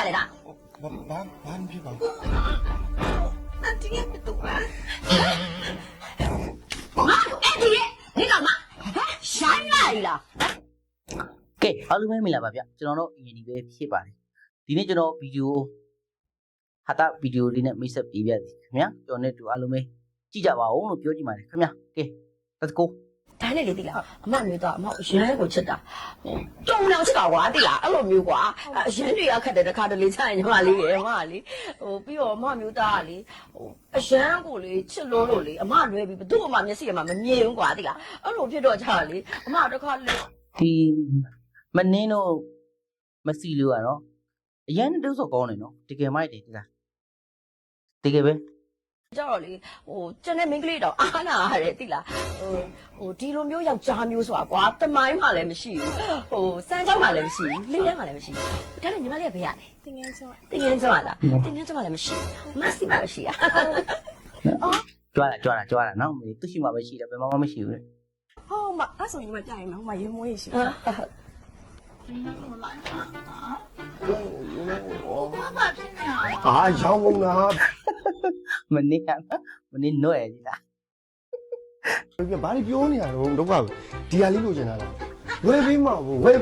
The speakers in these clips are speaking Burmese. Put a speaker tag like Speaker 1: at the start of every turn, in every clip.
Speaker 1: လေတာ
Speaker 2: ဘာဖြစ်ပါ
Speaker 1: အန်တီရဲ့တူလားငါတို့အဲ့ဒီဒီကောင်မရှိုင်းလိုက်လား
Speaker 3: ကဲအားလုံးပဲမင်္ဂလာပါဗျကျွန်တော်တို့အရင်ဒီပဲဖြစ်ပါတယ်ဒီနေ့ကျွန်တော်ဗီဒီယိုဟာတာဗီဒီယိုလေးနဲ့မိတ်ဆက်ပေးပြသည်ခင်ဗျာကျွန်တော်နဲ့တူအားလုံးပဲကြည့်ကြပါဦးလို့ပြောကြည့်ပါတယ်ခင်ဗျာကဲ let's go
Speaker 1: ဒါနဲ့လေတိလားအမမျိုးတော့အမရမ်းကိုချစ်တာကြုံတော့ချစ်တာကွာတိလားအဲ့လိုမျိုးကွာရမ်းတွေကခက်တယ်တခါတလေချရင်ညီမလေးရေအမလေးပြီးတော့အမမျိုးသားကလေအရမ်းကိုလေချစ်လို့လေအမလွဲပြီးဘသူ့အမမျက်စိအမမမြင်ဘူးကွာတိလားအဲ့လိုဖြစ်တော့ကြလေအမတခါလေ
Speaker 3: ဒီမနင်းတော့မစီလို့ရတော့အရန်တုပ်ဆော့ကောင်းနေနော်တကယ်မိုက်တယ်ဒီလားတကယ်ပဲ
Speaker 1: ကြတော့လေကျန်တဲ့မိန်းကလေးတော့အားနာရတယ်တိလားဒီလိုမျိုးယောက်ျားမျိုးဆိုတာကွာတမိုင်းမှလည်းမရှိဘူးစမ်းကြောင်းမှလည်းမရှိဘူးလေးထဲမှလည်းမရှိဘူးဒါနဲ့ညီမလေးကဘယ်ရလဲ
Speaker 4: တင်ငန်းကျော်
Speaker 1: လားတင်ငန်းကျော်မှလည်းမရှိဘူးမဆီမှမရှိရ
Speaker 3: ကြွားတာနော်သူရှိမှပဲရှိတယ်ဘယ်မှမရှိဘူးလေ
Speaker 4: ဟောမအဲ့ဆိုညီမပြရင်နော်ဟိုမှာရေမွေးရှိတယ်
Speaker 2: ရောင်းကုန်လား
Speaker 3: မနင်းနှွဲ့ဒီလား
Speaker 2: ဘာလို့ပြောနေရတော့ဒုက္ခဒီဟာလေးလိုချင်တာလားဝယ်ပေးမှာပေါ့ရ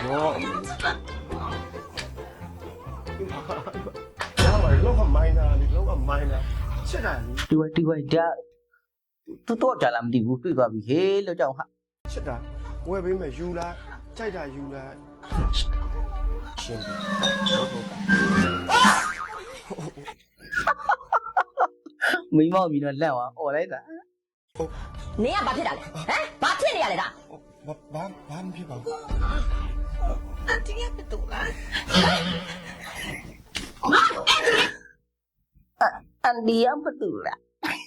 Speaker 2: ပါလောကမိုင်းနာချက်တာလေ
Speaker 3: ဒီဝိုင်ဒါတော့ကြလာမသိဘူးတွေ့သွားပြီဟေးလို့ကြောက်ဟာ
Speaker 2: ချက်တာဝယ်ပေးမယ်ယူလားကြိုက်တာယူလားရှင်း
Speaker 3: မိမောက်ပြီးတော့လက်သွားអော်လိုက်တာ
Speaker 1: နင်ကဘာဖြစ်တာလဲဘာဖြစ်နေရလဲဒါ
Speaker 2: ဘာမဖြစ်ပါဘူး
Speaker 1: အန်တီရဲ့တူလား
Speaker 3: အန်ဒီယမ်ပတူလား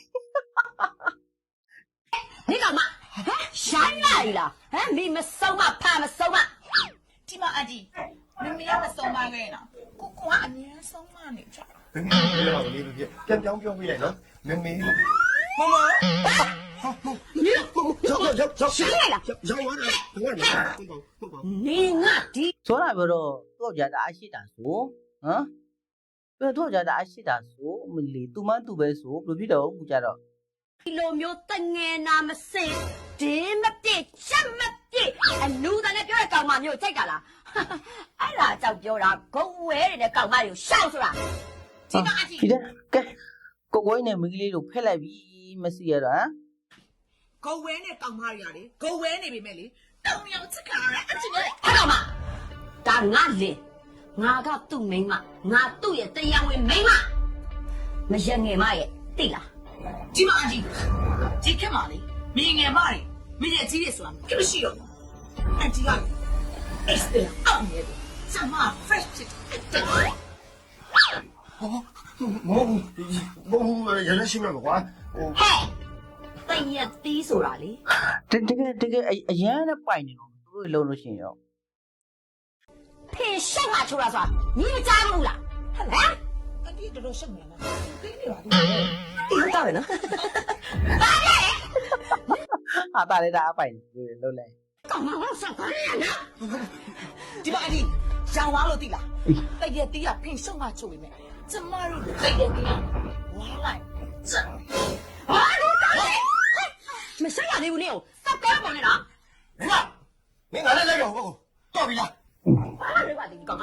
Speaker 1: ဒီကောင်မရှိုင်းလိုက်လားမိမဆုံးမဖာမဆုံးမ
Speaker 4: ဒီမှာအဒီမမေကမဆုံးမခဲ့နော်ကိုကအမြဲဆုံးမနေကြ
Speaker 2: မမေပြောလေးပြပြန်ပြောင်းပြောပြလိုက်နော်မမေ
Speaker 4: မမ
Speaker 1: ရောက်ရှိလိုက်လား
Speaker 2: ရောက်သွားတယ်ဟုတ်ပါ
Speaker 1: နေငါဒီ
Speaker 3: ဆိုတာပြောတော့တော့ကြတာအရှိတာဆိုဟမ်တော့ကြတာအရှိတာဆိုမလီသူမသူပဲဆိုဘယ်ဖြစ်တော့ဘူးကြတော့
Speaker 1: ဒီလိုမျိုးတငယ်နာမစင်ဒင်းမပြည့်ချက်မပြည့်အလူတန်းနဲ့ပြောတဲ့ကောင်မမျိုးကြိုက်တာလားအဲ့ဒါကြောင့်ပြောတာဂုံဝဲတဲ့ကောင်မတွေကိုရှောက်ဆိုတာ
Speaker 4: ဒီကအဒီ
Speaker 3: ကဲကိုကိုင်းနဲ့မင်းကလေးတို့ဖက်လိုက်ပြီမစီရတော့
Speaker 4: ဂုံဝဲနဲ့ကောင်မတွေရတယ်ဂုံဝဲနေပြီမဲ့လေတောင်ရောက်ချက်ခါရအချင်းရဲ့
Speaker 1: အဲ့ကောင်မဒါငါလင်ငါကသူ့မိန်းမငါသူ့ရဲ့တရားဝင်မိန်းမမရငယ်မရဲ့သိလား
Speaker 4: ဒီမှာအဒီဒီခက်ပါလေမင်းငယ်မတွေမင်းရဲ့ကြီးတွေဆိုတာကိမရှိတော့အန်တီကအစ်တယ်အောင်နေတယ်စမ fresh ဖြစ်တယ်
Speaker 2: မဟုတ်ရရရှိမှာကွာ
Speaker 1: ဟဲ့တည့်ရတီးဆိုတာလေ
Speaker 3: တကယ်အရန်နဲ့ပိုင်နေတော့သူတို့လုံးလို့ရှိရင်ရော
Speaker 1: ဖေရှက်မှာချိုးတာဆိုတာညီမကြားဘူးလားဟမ်
Speaker 4: အန်တီတော်တော်ရှက်နေလားသိနေပါဘူး
Speaker 1: ဒီတော့ပဲနော်ဘာလဲ
Speaker 3: ဟာတာလေဒါအပိုင်လုံးလဲ
Speaker 1: ကောင်မအောင်ဆောက်ပါနော်
Speaker 4: ဒီမှာအဒီရောင်သွားလို့သိလားတည့်ရတီးကဖင်ရှုံးမှချိုးပြီမဲ့ကျမတို့တည့်ရတီးဝါလိုက်
Speaker 1: ဟာလို့တာလေမဆက်ရသေးဘူးနေကိုစက်ကောပေါ်နေတာ
Speaker 2: မင်းကလည်းလိုက်တော့ဟုတ်တော့ပြီလား
Speaker 1: ဘာလဲပါဒီကောင်မ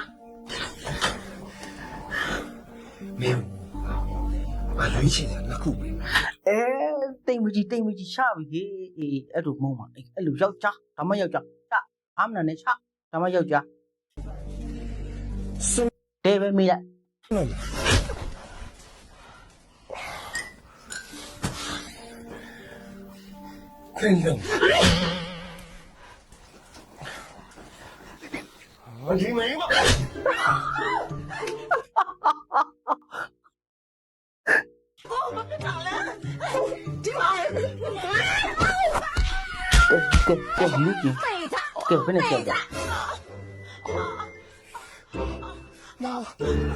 Speaker 2: မင်းမလွေးချင်တယ်နှစ်ခုပဲ
Speaker 3: တိမ်မကြီးချပြီအေးအဲ့လိုမုံပါအဲ့လိုယောက်ျားဒါမှယောက်ျားချအာမနာနဲ့ချဒါမှယောက်ျားတဲပဲမိလိုက်
Speaker 2: ခင်ဗျာဒီမင်းမ
Speaker 3: ကဲလူကြီးကဲဘယ်နဲ့ကြောက်ကြ
Speaker 2: မော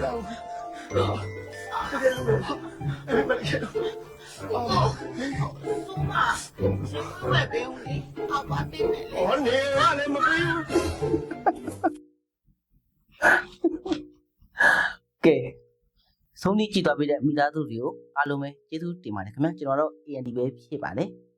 Speaker 4: ပဲဘယ်ဦးလေးအောက်ပါတင်တယ်လေ
Speaker 2: ဟောနေရလည်းမပြီးဘူး
Speaker 3: ကဲဆုံးဖြတ်ကြည့်သွားပြီးတဲ့မိသားစုတွေကိုအားလုံးပဲကျေးဇူးတင်ပါတယ်ခင်ဗျာကျွန်တော်တို့ AND ပဲဖြစ်ပါတယ်